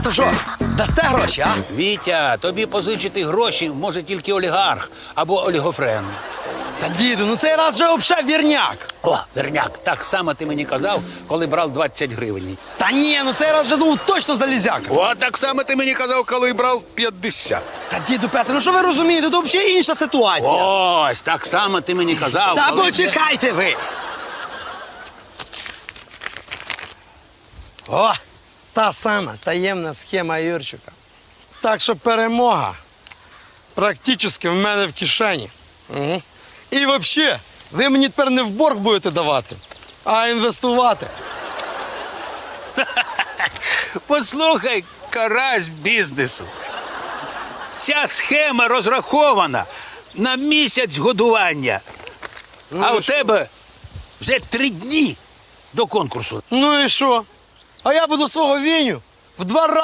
то що, дасте гроші, а? Вітя, тобі позичити гроші може тільки олігарх або олігофрен. Та діду, ну цей раз вже взагалі вірняк. О, Верняк, так само ти мені казав, коли брав 20 гривень. Та ні, ну цей раз вже ну точно залізяка. О, так само ти мені казав, коли брав 50. Та діду Петре, ну що ви розумієте, тут взагалі інша ситуація. Ось, так само ти мені казав, Та коли... почекайте ви! О, та сама таємна схема Юрчика. Так що перемога практично в мене в кишені. Угу. І взагалі, ви мені тепер не в борг будете давати, а інвестувати. Послухай, карась бізнесу. Ця схема розрахована на місяць годування. А і у що? тебе вже 3 дні до конкурсу. Ну і що? А я буду свого Віню в 2 рази